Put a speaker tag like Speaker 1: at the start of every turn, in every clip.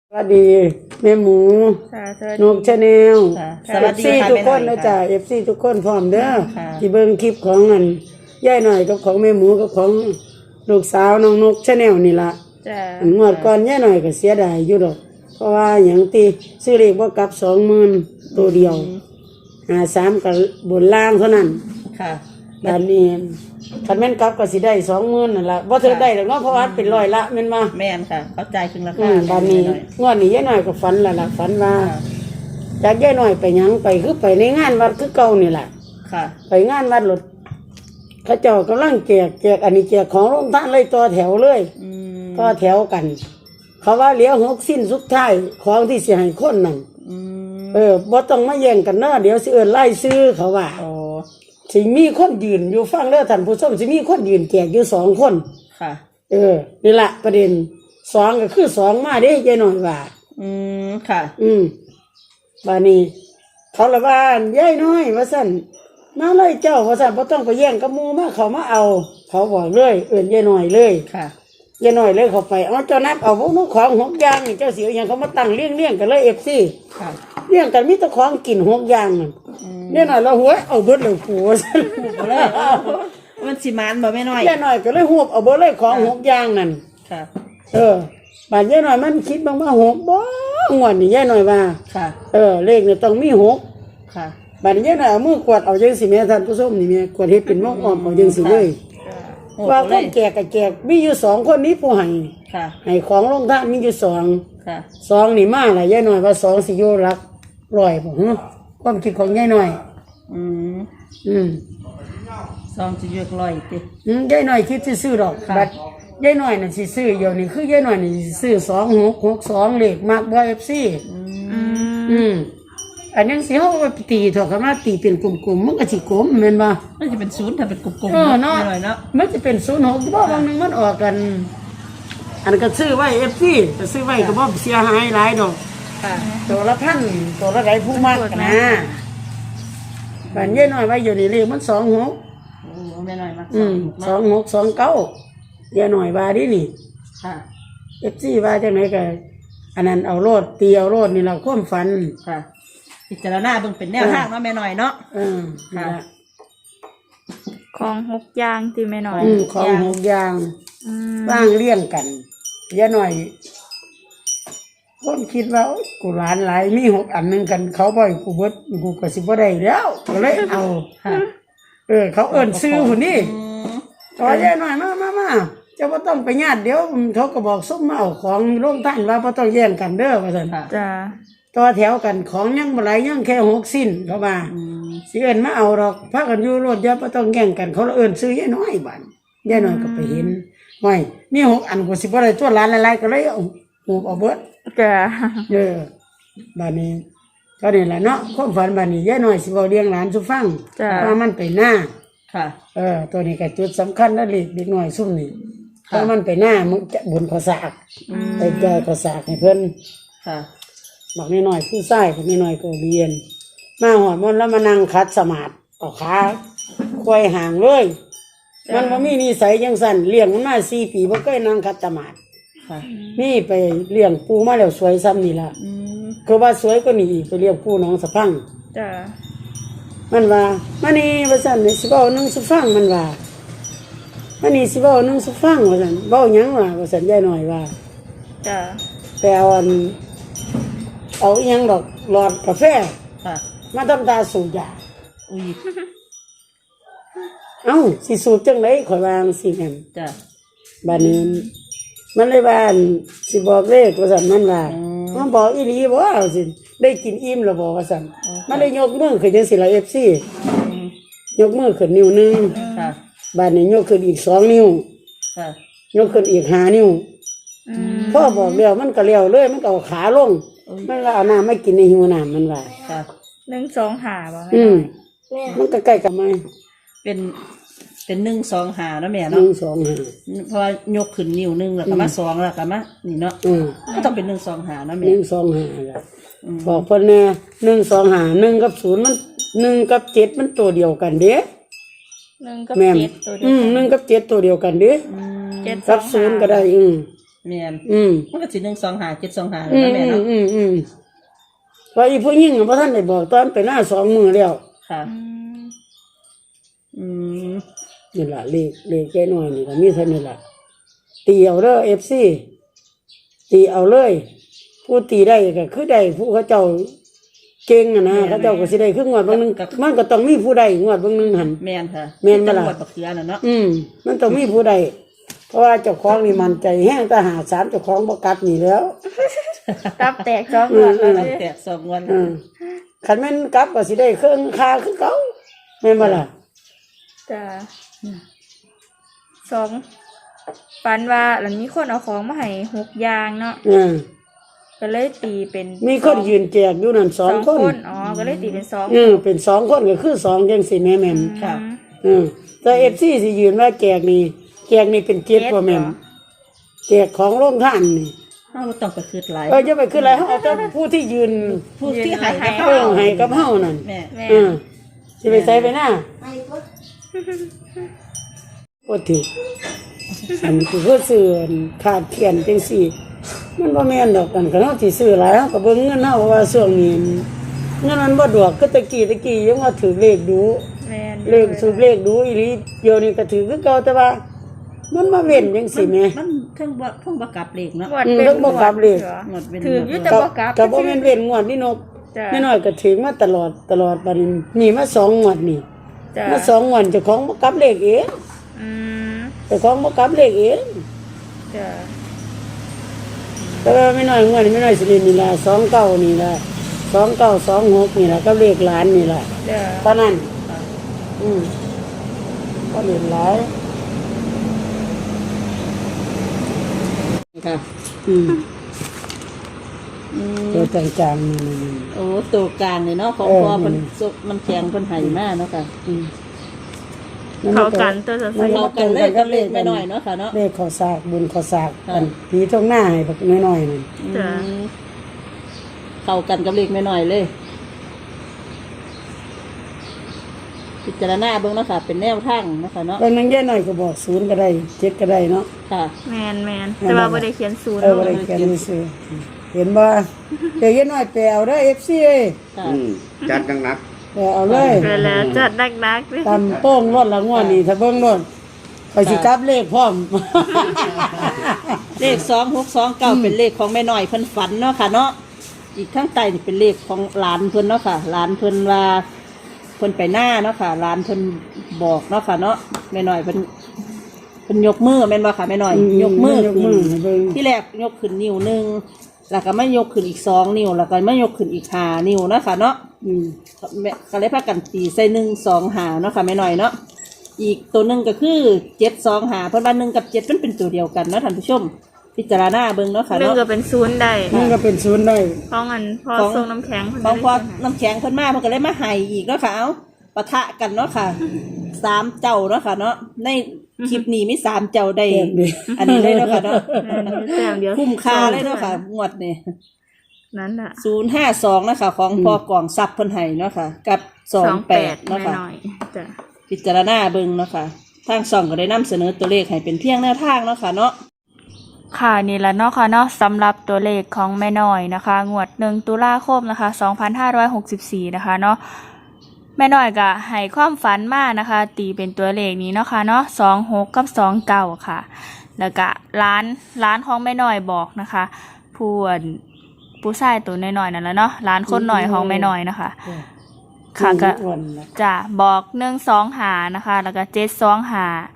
Speaker 1: สวัสดีแม่หมูนกชาแนล
Speaker 2: สวัสดี
Speaker 1: ทุกคนนะจ๊ะFCทุกคนพร้อมเด้อที่เบิ่งคลิปของอันย่ายหน่อยกับของแม่หมูกับของลูกสาวน้องนกชาแนลนี่ล่ะอันงวดก่อนย่ายหน่อยก็เสียดายอยู่ดอกเพราะว่าหยังตีซื้อเลขบ่กลับ 20,000ตัวเดียว53กับบนล่างเท่านั้น
Speaker 2: ค่ะ
Speaker 1: ด้านนี้คันแม่นกลับก็สิได้ 20,000นั่นล่ะบ่ถึงได้ดอกเนาะเพราะว่าเป็นร้อยละแม่นบ่
Speaker 2: แม่นค่ะเข้าใจถึงราคา
Speaker 1: ด้านนี้งวดนี้ย่ายหน่อยก็ฝันแล้วล่ะฝันว่าจากย่ายหน่อยไปหยังไปคือไปในงานวัดคือเก่านี่ล่ะ
Speaker 2: ค่ะ
Speaker 1: ไปงานวัดรถเขาเจ้ากำลังแจกอันนี้แจกของโรงทานเลยต่อแถวเลยต่อแถวกันเขาว่าเหลียว6สิ้นสุดท้ายของที่สิให้คนนั่นบ่ต้องมาแย่งกันเนาะเดี๋ยวสิเอิ้นไล่ซื้อเขาว่าสิมีคนยืนอยู่ฟังเด้อท่านผู้ชมสิมีคนยืนแจกอยู่2คน
Speaker 2: ค่ะ
Speaker 1: นี่ล่ะประเด็น2ก็คือ2มาเด้ยายน้อยว่า
Speaker 2: ค่ะ
Speaker 1: บัดนี้เขาละว่ายายน้อยว่าซั่นมาเลยเจ้าว่าซั่นบ่ต้องไปแย่งกับหมู่มาเขามาเอาเขาบอกเลยเอิ้นยายน้อยเลย
Speaker 2: ค่ะ
Speaker 1: ยายน้อยเลยเข้าไปเอาเจ้านับเอาพวกนู้นของ6อย่างนี่เจ้าสิเอาหยังเขามาตั้งเรียงกันเลย FC
Speaker 2: ค่ะ
Speaker 1: เรียงกันมีแต่ของกิน6อย่างนั่นยายน้อยเราหัวเอาเบิดเลยปู่ซั่น
Speaker 2: เลยมันสิมานบ่แม่น้อย
Speaker 1: ยายน้อยก็เลยหวบเอาเบิดเลยของ6อย่างนั่น
Speaker 2: ค่ะ
Speaker 1: บาดยายน้อยมันคิดบ้างว่า6บ่งวดนี่ยายน้อยว่า
Speaker 2: ค่ะ
Speaker 1: เลขนี่ต้องมี6
Speaker 2: ค่ะ
Speaker 1: บาดนี้น่ะมือกวาดเอาจังสิแม่ท่านผู้ชมนี่แม่กวาดเฮ็ดเป็นวงอ้อมเอาจังสิเลยว่าคนแก่กับแก่มีอยู่2คนนี้ผู้ให้
Speaker 2: ค่ะ
Speaker 1: ให้ของลงทานมีอยู่2
Speaker 2: ค่ะ
Speaker 1: 2นี่มาล่ะยายน้อยว่า2สิอยู่หลัก100บ่ฮึความคิดของยายน้อย
Speaker 2: ซองสิอยู่100ติ
Speaker 1: ยายน้อยคิดซื้อดอกบัดยายน้อยน่ะสิซื้อเดี๋ยวนี้คือยายน้อยนี่สิซื้อ2662เลขมักบ่ FC อันนั้นสิเฮาไปตีเถาะคันว่าตีเป็นกลมๆมันก็สิกลมแม่นบ่
Speaker 2: มันจะเป็น0ถ้าเป็นกลม
Speaker 1: ๆเนาะมันจะเป็น06บ่บางนึงมันออกกันอันก็ซื้อไว้ FC แต่ซื้อไว้ก็บ่เสียหายหลายดอก
Speaker 2: ค่ะ
Speaker 1: ตัวละพันตัวละไหนผู้มากนะบ้านยายน้อยไว้อยู่นี่เลขมัน26
Speaker 2: แม่น้อยมา
Speaker 1: 2629ยายน้อยว่าดินี่
Speaker 2: ค่ะ
Speaker 1: FC ว่าจังได๋ก็อันนั้นเอาโลดตีเอาโลดนี่เราความฝัน
Speaker 2: ค่ะพิจารณาเบิ่งเป็นแนวทางเนาะแม่น้อยเนาะ
Speaker 1: ค่ะ
Speaker 3: ของ6อย่างที่แม่น้อย
Speaker 1: ของ6อย่างวางเรียงกันยายน้อยคนคิดว่ากูหลานหลายมี6อันนึงกันเขาบ่ให้กูเบิดกูก็สิบ่ได้แล้วก็เลยเอาเขาเอิ้นซื้อพุ่นนี่ต่อยายน้อยมาเจ้าบ่ต้องไปญาติเดี๋ยวเขาก็บอกซุมมาเอาของโรงทานว่าบ่ต้องแย่งกันเด้อว่าซั่น
Speaker 3: จ้า
Speaker 1: ต่อแถวกันของยังบ่หลายยังแค่6สิ้นเขาว่าสิเอิ้นมาเอาดอกพากันอยู่รถอย่าบ่ต้องแย่งกันเขาเอิ้นซื้อยายน้อยบัดยายน้อยก็ไปเห็นห้อยมี6อันกูสิบ่ได้ตัวหลานหลายๆก็เลยเอาหูเอาเบิด
Speaker 3: จ้า
Speaker 1: บัดนี้ก็นี่ล่ะเนาะความฝันบัดนี้ยายน้อยสิเว้าเลี้ยงหลานสู่ฟังว่ามันไปหน้า
Speaker 2: ค่ะ
Speaker 1: ตัวนี้ก็จุดสำคัญนะเด็กน้อยซุ่มนี่เพราะมันไปหน้ามึงจะบุญข้าวสากไปแก่ข้าวสากให้เพิ่น
Speaker 2: ค่ะ
Speaker 1: บอกน้อยๆผู้ชายคนน้อยๆก็เรียนมาหอดมันแล้วมานั่งคัดสมาธิเอาขาควายห่างเลยมันบ่มีนิสัยจังซั่นเลี้ยงมันมา4 ปีบ่เคยนั่งคัดสมาธิ
Speaker 2: ค่ะ
Speaker 1: นี่ไปเลี้ยงปูมาแล้วสวยซ้ำนี่ล่ะคือว่าสวยกว่านี้อีกไปเลี้ยงปูน้องสะพัง
Speaker 3: จ้ะ
Speaker 1: มันว่ามานี่ว่าซั่นสิเว้านึงสิฟังมันว่ามานี่สิเว้านึงสิฟังว่าซั่นเว้าหยังว่าซั่นยายน้อยว่า
Speaker 3: จ้ะ
Speaker 1: ไปเอาอีหยังดอกหลอดกาแฟมาทำตาสูบยาสิสูบจังได๋ข่อยวาจั่งซี้กัน
Speaker 2: จ้ะ
Speaker 1: บัดนี้มันเลยว่าสิบอกเลขว่าซั่นมันว่ามันบอกอีหลีบ่เอาสิได้กินอิ่มแล้วบ่ว่าซั่นมันเลยยกมือขึ้นจังซี่ล่ะ FC ยกมือขึ้นนิ้วนึง
Speaker 2: ค่ะ
Speaker 1: บัดนี้ยกขึ้นอีก2นิ้ว
Speaker 2: ค่ะ
Speaker 1: ยกขึ้นอีก5นิ้วพ่อบอกแล้วมันก็เลี้ยวเลยมันก็เอาขาลงมันก็เอาน้ำไม่กินในหิวน้ำมันว่า
Speaker 3: 1 2 5บ่
Speaker 1: มันก็ใกล้กับไม้
Speaker 2: เป็น1 2 5นะแม่เนาะ
Speaker 1: 1 2 5
Speaker 2: เพราะยกขึ้นนิ้วนึงแล้วก็มา2แล้วก็มานี่เนาะก็ต้องเป็น1 2 5นะแม่
Speaker 1: 1 2 5ล่ะบอกเพิ่นแน่1 2 5 1กับ0มัน1กับ7มันตัวเดียวกันเด้
Speaker 3: 1กับ7ตัวเดียวกัน
Speaker 1: 1กับ7ตัวเดียวกันเด้7กับ0ก็ได้
Speaker 2: แม่น
Speaker 1: อืม
Speaker 2: มันก็สิ1 2 5 7 2 5
Speaker 1: อื
Speaker 2: แล้ว
Speaker 1: ม
Speaker 2: แม่
Speaker 1: อื
Speaker 2: เนาะ
Speaker 1: มอืมว่าอีผู้หญิงบ่ทันได้บอกตอนไปหน้า2 มื้อแล้ว
Speaker 2: ค่ะ
Speaker 3: อืม
Speaker 2: อืม
Speaker 1: นี่ล่ะเลขแก่น้อยนี่ก็มีเท่านี้ล่ะตีเอาเด้อ FC ตีเอาเลย ผู้ตีได้ก็คือได้ผู้เขาเจ้าเก่งอะนะเขาเจ้าก็สิได้คืองวดบางนึงมันก็ต้องมีผู้ใดงวดบางนึงหั่น
Speaker 2: แม่นค่ะ
Speaker 1: แม่นบ่ล่ะ
Speaker 2: จังหวัดบักเขือน่ะเนาะ
Speaker 1: มันต้องมีผู้ใดเพราะว่าเจ้าของนี่มันใจแห้งแต่หาสารเจ้าของบ่กลับนี่แล้ว
Speaker 3: ตับแตกจ้องหมดแล้ว
Speaker 2: ตั้ง
Speaker 3: สิ
Speaker 2: แต่2 วัน
Speaker 1: คันแม่นกลับก็สิได้เครื่องค่าคือเก่าแม่นบ่ล่ะ
Speaker 3: จ้ะสองฝันว่าหลังมีคนเอาของมาให้6อย่างเนาะก็เลยตีเป็น
Speaker 1: มีคนยืนแจกอยู่นั่น
Speaker 3: สอง
Speaker 1: 2 ค
Speaker 3: คน นอ๋อก็เลยตีเป็นสอง
Speaker 1: เป็น2 คนก็คือ2จังซี่แม่แม่น
Speaker 2: ค่ะ
Speaker 1: แต่ FC สิยืนว่าแจกนี่เป็นเกียรติบ่แม่นแจกของโรงทานนี่
Speaker 2: เฮาบ่ต้องไปคิดหลาย
Speaker 1: จะไปคืออะไรเฮาเอาแต่ผู้ที่ยืน
Speaker 2: ผู้ที่ให้กับ
Speaker 1: เออให้กับเฮานั่น
Speaker 2: แม่
Speaker 3: แม่
Speaker 1: สิไปใส่ไปหน้าบ่ถืออันนี้คือเพื่อซื้อขาดเขียนจังซี่มันบ่แม่นดอกกันคันเฮาสิซื้อหลายเฮาก็เบิ่งเงินเฮาเพราะว่าช่วงนี้เงินมันบ่ดอกคือตะกี้ยังว่าถือเลขดู
Speaker 3: แม่
Speaker 1: เลขสูบเลขดูอีหลีเดี๋ยวนี้ก็ถือคือเก่าแต่ว่า มันมาเว้นจังซี่แหม
Speaker 2: มันเพิ่งบ่กลับเลขเนาะ
Speaker 3: งวดเป็น
Speaker 1: เพิ่งบ่กลับเลย
Speaker 2: งวดเป็น
Speaker 3: ถืออยู่แต่บ่กลับ
Speaker 1: ก็บ่แม่นเว้นงวดนี่นก
Speaker 3: จ้ะ
Speaker 1: แม่น้อยก็ถึงมาตลอดบัดนี้นี่มา2 งวดนี่
Speaker 3: จ้ะ
Speaker 1: มา2 งวดเจ้าของบ่กลับเลขเอง
Speaker 3: อืม
Speaker 1: เจ้าของบ่กลับเลขเอง
Speaker 3: จ้ะ
Speaker 1: แต่ว่าแม่น้อยงวดนี้แม่น้อยสิเล่นนี่ล่ะ29นี่ล่ะ2926นี่ล่ะกับเลขหลานนี่ล่ะ
Speaker 3: จ้ะ
Speaker 1: ตอนนั้นก็เล่นหลาย
Speaker 2: ค่ะ
Speaker 1: ตัวจางๆนี่
Speaker 2: โอ้ตัวกลางนี่เนาะของ
Speaker 1: เออ
Speaker 2: พ่อเพิ่น
Speaker 1: นี่
Speaker 2: สุกมันแข็งเพิ่นให้มาเนาะค่ะ
Speaker 3: เข้ากันตัวจะ
Speaker 1: มัน
Speaker 2: เข้ากันเลยกับเลขแม่น้อยเนาะค่ะเนาะ
Speaker 1: เลขขอสากบุญขอสาก
Speaker 2: ค่ะ
Speaker 1: กันผีทงหน้าให้บักน้อยๆนั่น
Speaker 3: จ้ะ
Speaker 2: เข้ากันกับเลขแม่น้อยเลยพิจารณาเบิ่งเนาะค่ะ เป็นแนวทางเนาะค่ะเนาะ
Speaker 1: บางนั้นแย่หน่อยก็บอก0ก็ได้7ก็ได้เนาะ
Speaker 2: ค่ะ
Speaker 3: แม่นแต่ว่าบ่ได้เขียนศูนย์
Speaker 1: บ่ได้เขียนซื่อเห็นบ่เดี๋ยวแย่หน่อยไปเอาเด้อ FC เอ้ย
Speaker 2: ค่ะ
Speaker 4: จัดหนัก
Speaker 1: ไปเอาเลย
Speaker 3: ไปแล้วจัดนักๆเลย
Speaker 1: ตำโป้งรถละงวดนี่ถ้าเบิ่งรถไปสิกลับเลขพร้อม
Speaker 2: เลข2629เป็นเลขของแม่น้อยเพิ่นฝันเนาะค่ะเนาะอีกข้างใต้นี่เป็นเลขของหลานเพิ่นเนาะค่ะหลานเพิ่นว่าเพิ่นไปหน้าเนาะค่ะหลานเพิ่นบอกเนาะค่ะเนาะแม่น้อยเพิ่นยกมือแม่นบ่ค่ะแม่น้อย ยกมือขึ้น
Speaker 1: ให้เบิ่ง
Speaker 2: ที่แรกยกขึ้นนิ้วหนึงแล้วก็มายกขึ้นอีก2 นิ้วแล้วก็มายกขึ้นอีก5 นิ้วเนาะค่ะเนาะ แม่ก็เลยพากันตีใส่1 2 5เนาะค่ะแม่น้อยเนาะอีกตัวหนึงก็คือ7 2 5เพราะว่า1กับ7มันเป็นตัวเดียวกันเนาะท่านผู้ชม พิจารณาเบิ่งเนาะค่ะ
Speaker 3: หนึ่ง
Speaker 2: เนาะ
Speaker 3: ก็เป็นศูนย์ได้
Speaker 1: มันก็เป็น0ได้
Speaker 3: เพราะงั้นพอ
Speaker 2: ของ
Speaker 3: ส่งน้ำแข็ง
Speaker 2: ของพอน้ำแข็งเพิ่นมาเพิ่นก็เลยมาให้อีกเนาะค่ะเอาปะทะกันเนาะค่ะ3 เจ้าเนาะค่ะเนาะในคลิปนี้มี3 เจ้าได้
Speaker 1: แต้มเดียว
Speaker 2: อันนี้เลยเนาะค่ะเนาะ
Speaker 3: แต้มเดียว
Speaker 2: คุ้มค่าเลยเนาะค่ะงวดนี่
Speaker 3: นั่นน่ะ
Speaker 2: 052นะคะของพอกล่องซับเพิ่นให้เนาะค่ะกับ28
Speaker 3: แม่
Speaker 2: เนาะค่ะ
Speaker 3: น้อยจ้ะ
Speaker 2: พิจารณาเบิ่งเนาะค่ะทางช่องก็ได้นำเสนอตัวเลขให้เป็นเพียงแนวทางเนาะค่ะเนาะ
Speaker 3: ค่ะนี่แหละเนาะค่ะเนาะสำหรับตัวเลขของแม่น้อยนะคะงวด1 ตุลาคมนะคะ2564นะคะเนาะแม่น้อยก็ให้ความฝันมานะคะ ตีเป็นตัวเลขนี้เนาะค่ะเนาะ26กับ29ค่ะ แล้วก็ร้านของแม่น้อยบอกนะคะผู้ชายตัวน้อยๆนั่นแหละเนาะร้านคนหน่อยของแม่น้อยนะคะ ค่ะก็
Speaker 1: อ้วนนะ
Speaker 3: จะบอก1 2 5นะคะแล้วก็7 2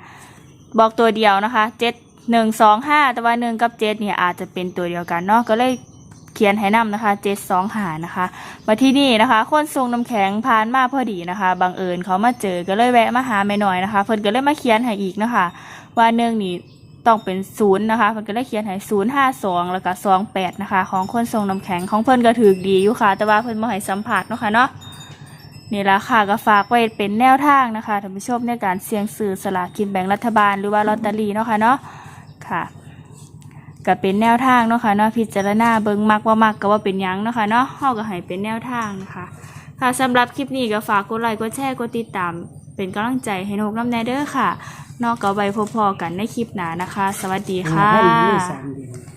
Speaker 3: 5บอกตัวเดียวนะคะ7 1 2 5แต่ว่า1กับ7เนี่ยอาจจะเป็นตัวเดียวกันเนาะก็เลยเขียนให้นำนะคะ7 2 5นะคะมาที่นี่นะคะคนส่งน้ำแข็งผ่านมาพอดีนะคะบังเอิญเขามาเจอก็เลยแวะมาหาแม่น้อยนะคะเพิ่นก็เลยมาเขียนให้อีกนะคะว่า1นี่ต้องเป็น0นะคะเพิ่นก็เลยเขียนให้052แล้วก็28นะคะของคนส่งน้ำแข็งของเพิ่นก็ถูกดีอยู่ค่ะแต่ว่าเพิ่นบ่ให้สัมภาษณ์เนาะค่ะเนาะนี่ละค่ะก็ฝากไว้เป็นแนวทางนะคะท่านผู้ชมในการเสี่ยงซื้อสลากกินแบ่งรัฐบาลหรือว่าลอตเตอรี่เนาะค่ะเนาะค่ะก็เป็นแนวทางเนาะค่ะเนาะพิจารณาเบิ่งมักว่ามักก็ว่าเป็นหยังเนาะค่ะเนาะเฮาก็ให้เป็นแนวทางนะคะค่ะสำหรับคลิปนี้ก็ฝากกดไลค์กดแชร์กดติดตามเป็นกำลังใจให้นกน้ำแน่เด้อค่ะนอกก็ไว้พบๆกันในคลิปหน้านะคะ สวัสดี
Speaker 1: หา
Speaker 3: ค่ะ
Speaker 1: พันอยู่3 เดือน